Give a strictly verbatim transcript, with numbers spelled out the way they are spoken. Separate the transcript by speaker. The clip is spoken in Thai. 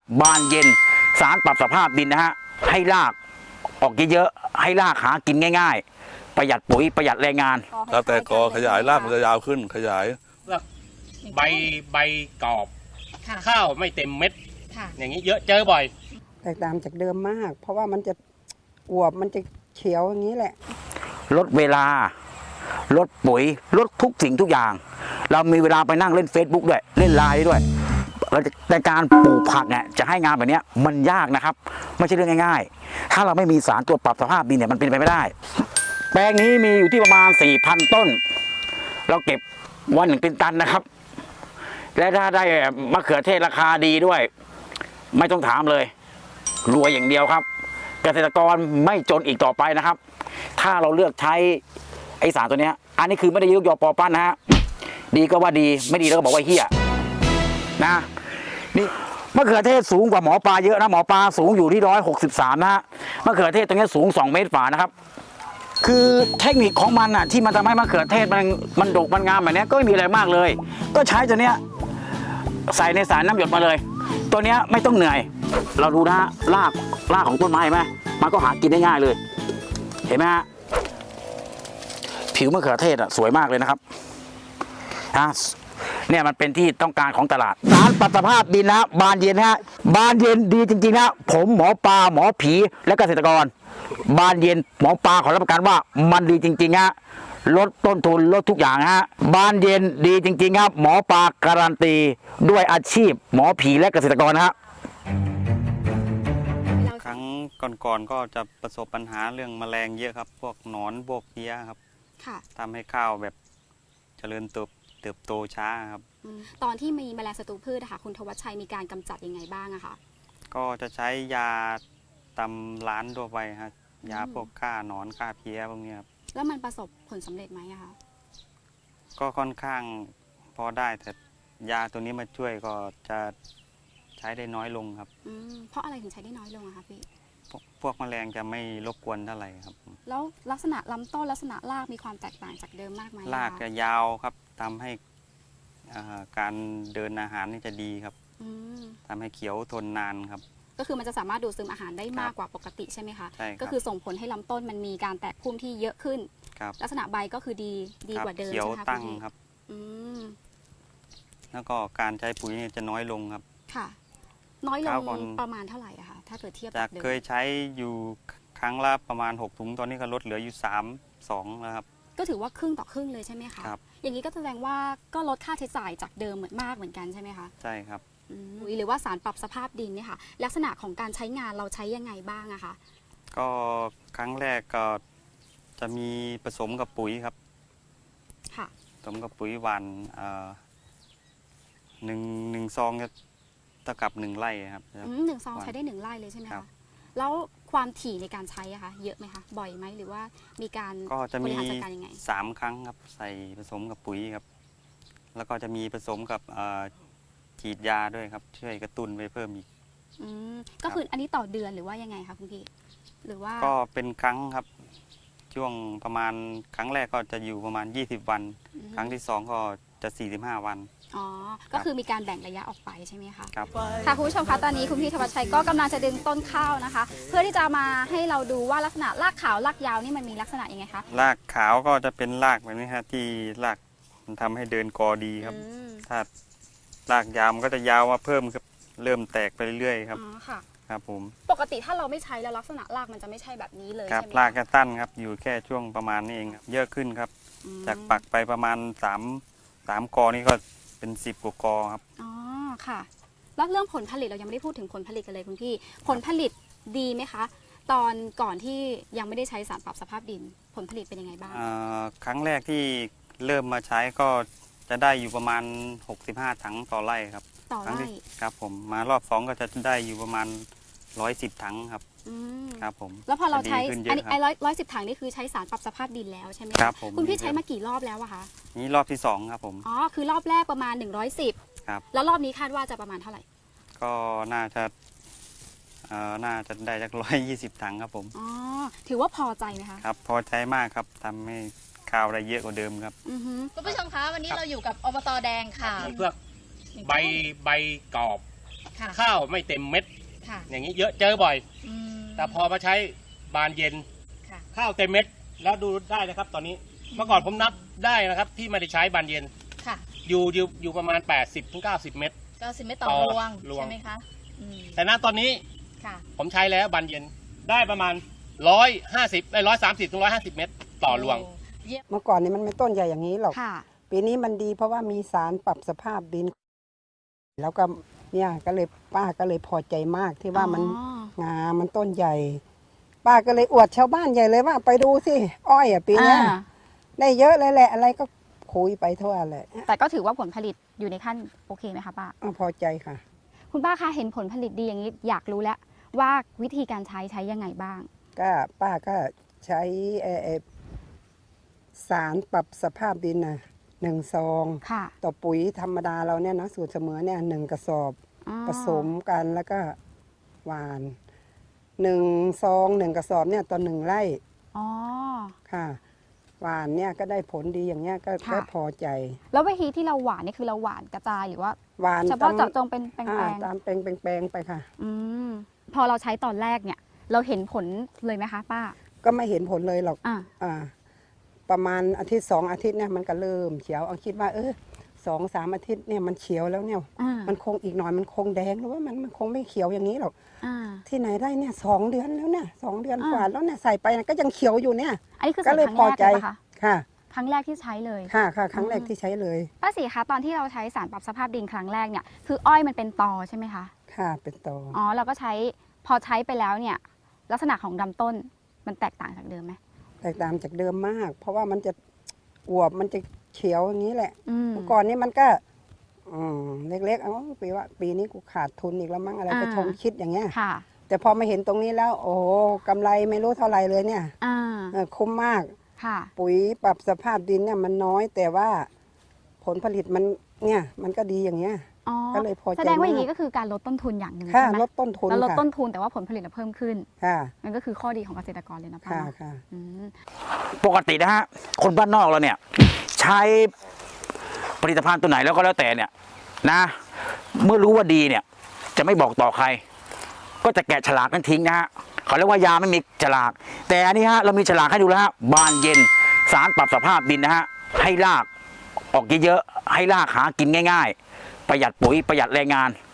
Speaker 1: บานเย็นสารปรับสภาพดินนะฮะให้รากออกเยอะๆให้รากหากินง่ายๆประหยัดปุ๋ยประหยัดแรงงาน
Speaker 2: แล้วแต่กอขยายรากมันจะยาวขึ้นขยาย
Speaker 3: ใบใบกรอบข้าวไม่เต็มเม็ดอย่างนี้เยอะเจอบ่อย
Speaker 4: แตกต่างจากเดิมมากเพราะว่ามันจะอวบมันจะเขียวอย่างนี้แหละ
Speaker 1: ลดเวลาลดปุ๋ยลดทุกสิ่งทุกอย่างเรามีเวลาไปนั่งเล่น Facebook ด้วยเล่นไลน์ด้วยแต่การปลูกผักเนี่ยจะให้งานแบบนี้มันยากนะครับไม่ใช่เรื่องง่ายๆถ้าเราไม่มีสารตัวปรับสภาพดินเนี่ยมันเป็นไปไม่ได้แปลงนี้มีอยู่ที่ประมาณ สี่พัน ต้นเราเก็บวันหนึ่งเป็นตันนะครับและถ้าได้มะเขือเทศราคาดีด้วยไม่ต้องถามเลยรวยอย่างเดียวครับเกษตรกรไม่จนอีกต่อไปนะครับถ้าเราเลือกใช้ไอสารตัวนี้อันนี้คือไม่ได้ยกยอปอปั้นนะฮะดีก็ว่าดีไม่ดีแล้วก็บอกว่าเฮี้ยนะนี่มะเขือเทศสูงกว่าหมอปลาเยอะนะหมอปลาสูงอยู่ที่ร้อยหกสิบสามนะฮะมะเขือเทศตรงนี้สูงสองเมตรฝ่านะครับคือเทคนิคของมันอ่ะที่มันทำให้มะเขือเทศมันมันดกมันงามแบบนี้ก็ไม่มีอะไรมากเลยก็ใช้ตัวเนี้ยใส่ในสารน้ำหยดมาเลยตัวเนี้ยไม่ต้องเหนื่อยเราดูนะฮะรากรากของต้นไม้ไหมมันก็หากินได้ง่ายเลยเห็นไหมฮะผิวมะเขือเทศอ่ะสวยมากเลยนะครับฮะเนี่ยมันเป็นที่ต้องการของตลาดสารปรับสภาพดินนะบานเย็นฮะบานเย็นดีจริงๆนะผมหมอปลาหมอผีและเกษตรกรบานเย็นหมอปลาขอรับประกันว่ามันดีจริงๆฮะลดต้นทุนลดทุกอย่างฮะบานเย็นดีจริงๆครับหมอปลาการันตีด้วยอาชีพหมอผีและเกษตรกรฮะ
Speaker 5: ครั้งก่อนๆก็จะประสบปัญหาเรื่องแมลงเยอะครับพวกหนอนพวกเพี้ยครับทำให้ข้าวแบบเจริญเติบเติบโตช้าครับ
Speaker 6: ตอนที่มีแมลงศัตรูพืชค่ะคุณธวัชชัยมีการกำจัดยังไงบ้างอะคะ
Speaker 5: ก็จะใช้ยาตำร้านทั่วไปครับยาพวกฆ่าหนอนฆ่าเพี้ยพวกนี้ครับ
Speaker 6: แล้วมันประสบผลสำเร็จไหมอะคะ
Speaker 5: ก็ค่อนข้างพอได้แต่ยาตัวนี้มาช่วยก็จะใช้ได้น้อยลงครับ
Speaker 6: เพราะอะไรถึงใช้ได้น้อยลงอะคะพี่
Speaker 5: พวกแมลงจะไม่รบกวนเท่าไหร่ครับ
Speaker 6: แล้วลักษณะลำต้นลักษณะรากมีความแตกต่างจากเดิมมากไหม
Speaker 5: รากจะยาวครับทำให้การเดินอาหารนี่จะดีครับทำให้เขียวทนนานครับ
Speaker 6: ก็คือมันจะสามารถดูดซึมอาหารได้มากกว่าปกติใช่ไหมคะ
Speaker 5: ใช่ครับ
Speaker 6: ก็คือส่งผลให้ลำต้นมันมีการแตกพุ่มที่เยอะขึ้นลักษณะใบก็คือดีดีกว่าเดิม
Speaker 5: เขียวตั้งครับแล้วก็การใช้ปุ๋ยนี่จะน้อยลงครับ
Speaker 6: ค่ะน้อยลงประมาณเท่าไหร่อะคะถ้าเกิดเทียบ
Speaker 5: จากเคยใช้อยู่ครั้งละประมาณหกถุงตอนนี้ก็ลดเหลืออยู่สาม สองแล้วครับ
Speaker 6: ก็ถือว่าครึ่งต่อครึ่งเลยใช่ไหมคะ
Speaker 5: ครับ
Speaker 6: อย่างนี้ก็แสดงว่าก็ลดค่าใช้จ่ายจากเดิมเหมือนมากเหมือนกันใช่ไหมคะ
Speaker 5: ใช่ครับ
Speaker 6: หรือว่าสารปรับสภาพดินเนี่ยค่ะลักษณะของการใช้งานเราใช้ยังไงบ้างอะคะ
Speaker 5: ก็ครั้งแรกก็จะมีผสมกับปุ๋ยครับ
Speaker 6: ค่ะ
Speaker 5: ผสมกับปุ๋ยหวานหนึ่งหนึ่งซองจะเท่ากับหนึ่งไร่ครับ
Speaker 6: หนึ่งซองใช้ได้หนึ่งไร่เลยใช่ไหมคะแล้วความถี่ในการใช้อะคะเยอะไหมคะบ่อยไหมหรือว่ามีการ
Speaker 5: ก็จะมี
Speaker 6: ยังไง
Speaker 5: สามครั้งครับใส่ผสมกับปุ๋ยครับแล้วก็จะมีผสมกับฉีดยาด้วยครับช่วยกระตุ้นไปเพิ่มอีก
Speaker 6: ก็คืออันนี้ต่อเดือนหรือว่ายังไงคะคุณพี่หรือว่า
Speaker 5: ก็เป็นครั้งครับช่วงประมาณครั้งแรกก็จะอยู่ประมาณยี่สิบวันครั้งที่สองก็จะสี่สิบห้าวัน
Speaker 6: อ๋อก็คือมีการแบ่งระยะออกไปใช่ไหมคะ
Speaker 5: ครับ
Speaker 6: ค่ะคุณผู้ชมคะตอนนี้คุณพี่ธวัชชัยก็กำลังจะดึงต้นข้าวนะคะเพื่อที่จะมาให้เราดูว่าลักษณะรากขาวรากยาวนี่มันมีลักษณะยังไงคะ
Speaker 5: รากขาวก็จะเป็นรากแบบนี้ครับที่รากมันทำให้เดินกอดีครับถ้ารากยาวมันก็จะยาวมาเพิ่มครับเริ่มแตกไปเรื่อยๆครับ
Speaker 6: อ๋อค่ะ
Speaker 5: ครับผม
Speaker 6: ปกติถ้าเราไม่ใช้แล้วลักษณะรากมันจะไม่ใช่แบบนี้เลย
Speaker 5: ครับ
Speaker 6: ใช่ไหม
Speaker 5: รากจะตั้นครับอยู่แค่ช่วงประมาณนี้เองเยอะขึ้นครับจากปักไปประมาณสามสามกอนี่ก็เป็นสิบกว่ากอครับ
Speaker 6: อ๋อค่ะแล้วเรื่องผลผลิตเรายังไม่ได้พูดถึงผลผลิตกันเลยคุณพี่ผลผลิตดีไหมคะตอนก่อนที่ยังไม่ได้ใช้สารปรับสภาพดินผลผลิตเป็นยังไงบ้าง
Speaker 5: ครั้งแรกที่เริ่มมาใช้ก็จะได้อยู่ประมาณหกสิบห้าถังต่อไร่ครับ
Speaker 6: ต่อไร่
Speaker 5: ครับผมมารอบสองก็จะได้อยู่ประมาณร้อยสิบถังครับครับผม
Speaker 6: แล้วพอเราใช้อันนี้ไอ้ร้อยร้อยสิบถังนี่คือใช้สารปรับสภาพดินแล้วใช่ไหม
Speaker 5: ครับผม
Speaker 6: คุณพี่ใช้มากี่รอบแล้วอะคะ
Speaker 5: นี่รอบที่สองครับผม
Speaker 6: อ๋อคือรอบแรกประมาณหนึ่งร้อยสิบ
Speaker 5: ครับ
Speaker 6: แล้วรอบนี้คาดว่าจะประมาณเท่าไหร่
Speaker 5: ก็น่าจะเอ่อน่าจะได้จากร้อยยี่สิบถังครับผม
Speaker 6: อ๋อถือว่าพอใจไหมคะ
Speaker 5: ครับพอใจมากครับทำให้ข้าวได้เยอะกว่าเดิมครับ
Speaker 6: คุณผู้ชมคะวันนี้เราอยู่กับอบต.แดงค่ะ
Speaker 3: เพื่อใบใบกรอบ
Speaker 6: ค่ะ
Speaker 3: ข้าวไม่เต็มเม็ด
Speaker 6: ค่ะ
Speaker 3: อย่างนี้เยอะเจอบ่อย
Speaker 6: อืม
Speaker 3: แต่พอมาใช้บานเย็น
Speaker 6: ค่ะ
Speaker 3: ข้าวเต็มเม็ดแล้วดูได้นะครับ ตอนนี้เมื่อก่อนผมนับได้นะครับ ที่ไม่ได้ใช้บานเย็น
Speaker 6: ค่ะ-
Speaker 3: อยู่อยู่อยู่ประมาณ แปดสิบถึงเก้าสิบ เม็ด
Speaker 6: เก้าสิบเม็ดต่อ
Speaker 3: ต่อ
Speaker 6: รวง
Speaker 3: รวง
Speaker 6: ใช่ไหมคะอืม
Speaker 3: แต่ณตอนนี้
Speaker 6: ค่ะ
Speaker 3: ผมใช้แล้วบานเย็นได้ประมาณร้อยห้าสิบไอ้ร้อยสามสิบถึงร้อยห้าสิบเม็ดต่อรวง
Speaker 6: โเยี่ยม
Speaker 4: เมื่อก่อนนี้มันไม่ต้นใหญ่อย่างนี้หรอก
Speaker 6: ค่ะ
Speaker 4: ปีนี้มันดีเพราะว่ามีสารปรับสภาพดิน แล้วก็เนี่ยก็เลยป้าก็เลยพอใจมากที่ว่ามัน
Speaker 6: อ๋อ
Speaker 4: งามมันต้นใหญ่ ป้าก็เลยอวดชาวบ้านใหญ่เลยว่าไปดูสิอ้อยอ่ะปีเนี้ย
Speaker 6: อ่า
Speaker 4: ได้เยอะเลยแหละ อะไรก็คุยไปทั่วเลย
Speaker 6: แต่ก็ถือว่าผลผลิตอยู่ในขั้นโอเคไหมคะป้า
Speaker 4: อ่ะพอใจค่ะ
Speaker 6: คุณป้าคะเห็นผลผลิตดีอย่างนี้อยากรู้แล้วว่าวิธีการใช้ใช้ยังไงบ้าง
Speaker 4: ก็ป้าก็ใช้เอ่อเอ่อสารปรับสภาพดินน่ะหนึ่งซอง
Speaker 6: ค่ะ
Speaker 4: ต่อปุ๋ยธรรมดาเราเนี่ยนะสูตรเสมอเนี่ยหนึ่งกระสอบ
Speaker 6: อ๋อ
Speaker 4: ผสมกันแล้วก็หวานหนึ่งซองหนึ่งกระสอบเนี่ยต่อหนึ่งไร่
Speaker 6: อ๋อ
Speaker 4: ค่ะหวานเนี่ยก็ได้ผลดีอย่างเงี้ยก็
Speaker 6: ค่ะ
Speaker 4: ก็พอใจ
Speaker 6: แล้ววิธีที่เราหวานนี่คือเราหวานกระจายหรือว่า
Speaker 4: หวาน
Speaker 6: เฉพาะ
Speaker 4: ตม
Speaker 6: เจาะจงเป็นแปล
Speaker 4: อ่าง ตามแปลงแปลงๆไปค่ะ
Speaker 6: ๆอืมพอเราใช้ตอนแรกเนี่ย เราเห็นผลเลยไหมคะป้า
Speaker 4: ก็ไม่เห็นผลเลยหรอก
Speaker 6: อ่า
Speaker 4: อ่าประมาณอาทิตย์สองอาทิตย์เนี่ยมันก็เริ่มเขียวเอาคิดว่าเออสองสามอาทิตย์เนี่ยมันเขียวแล้วเนี่ย
Speaker 6: อ่า
Speaker 4: มันคงอีกหน่อยมันคงแดงหรือว่ามันมันคงไม่เขียวอย่างนี้หรอก
Speaker 6: อ่า
Speaker 4: ที่ไหนได้เนี่ยสองเดือนแล้วเนี่ยสองเดือน
Speaker 6: อ่า
Speaker 4: กว่าแล้วเนี่ยใส่ไปก็ยังเขียวอยู่เนี่ย
Speaker 6: อันนี้คือ
Speaker 4: ก็
Speaker 6: ใส่
Speaker 4: เลย
Speaker 6: ครั้ง
Speaker 4: พอ
Speaker 6: แรก
Speaker 4: ใจ
Speaker 6: เลยปะคะ
Speaker 4: ค่ะ
Speaker 6: ครั้งแรกที่ใช้เลย
Speaker 4: ค่ะค่ะครั้งแรก
Speaker 6: อืม
Speaker 4: ที่ใช้เลย
Speaker 6: ป้าศรีคะตอนที่เราใช้สารปรับสภาพดินครั้งแรกเนี่ยคืออ้อยมันเป็นตอใช่ไหมคะ
Speaker 4: ค่ะเป็นตอ
Speaker 6: อ๋อเราก็ใช้พอใช้ไปแล้วเนี่ยลักษณะของลำต้นมันแตกต่างจากเดิมไหม
Speaker 4: แตกต่างจากเดิมมาก เพราะว่ามันจะอวบมันจะเขียวอย่างนี้แหละ
Speaker 6: อืม
Speaker 4: เมื่อก่อนนี้มันก็อืมเล็กๆเอ้าปีว่าปีนี้กูขาดทุนอีกแล้วมั้งอะไรก็
Speaker 6: อ่า
Speaker 4: ชงคิดอย่างเงี้ย
Speaker 6: ค่ะ
Speaker 4: แต่พอมาเห็นตรงนี้แล้ว โอ้โหกำไรไม่รู้เท่าไหร่เลยเนี่ย
Speaker 6: อ่า
Speaker 4: เออคุ้มมาก
Speaker 6: ค่ะ
Speaker 4: ปุ๋ยปรับสภาพดินเนี่ยมันน้อย แต่ว่าผลผลิตมันเนี่ยมันก็ดีอย่างเงี้ย
Speaker 6: อ๋อ
Speaker 4: ก็เลยพอใจ
Speaker 6: แสดงว่าอย่าง
Speaker 4: มาก
Speaker 6: นี้ก็คือการลดต้นทุนอย่างหนึ่ง
Speaker 4: ค่ะ
Speaker 6: ใช่ไหม
Speaker 4: ลดต้นทุน
Speaker 6: แล้วลด
Speaker 4: ค่ะ
Speaker 6: ต้นทุนแต่ว่าผลผลิตเราเพิ่มขึ้น
Speaker 4: ค่ะ
Speaker 6: นั่นก็คือข้อดีของเกษตรกรเลยนะป้า
Speaker 4: ค่ะ
Speaker 6: เนาะ
Speaker 4: ค่ะ
Speaker 6: อืม
Speaker 1: ปกตินะฮะคนบ้านนอกเราเนี่ย ใช้ผลิตภัณฑ์ตัวไหนแล้วก็แล้วแต่เนี่ยนะ เมื่อรู้ว่าดีเนี่ย จะไม่บอกต่อใคร ก็จะแกะฉลากนั้นทิ้งนะฮะเขาเรียกว่ายาไม่มีฉลาก แต่อันนี้ฮะเรามีฉลากให้ดูแล้วฮะบานเย็นสารปรับสภาพดินนะฮะให้รากออกเยอะๆให้รากหากินง่าย ๆ ประหยัดปุ๋ยประหยัดแรงงาน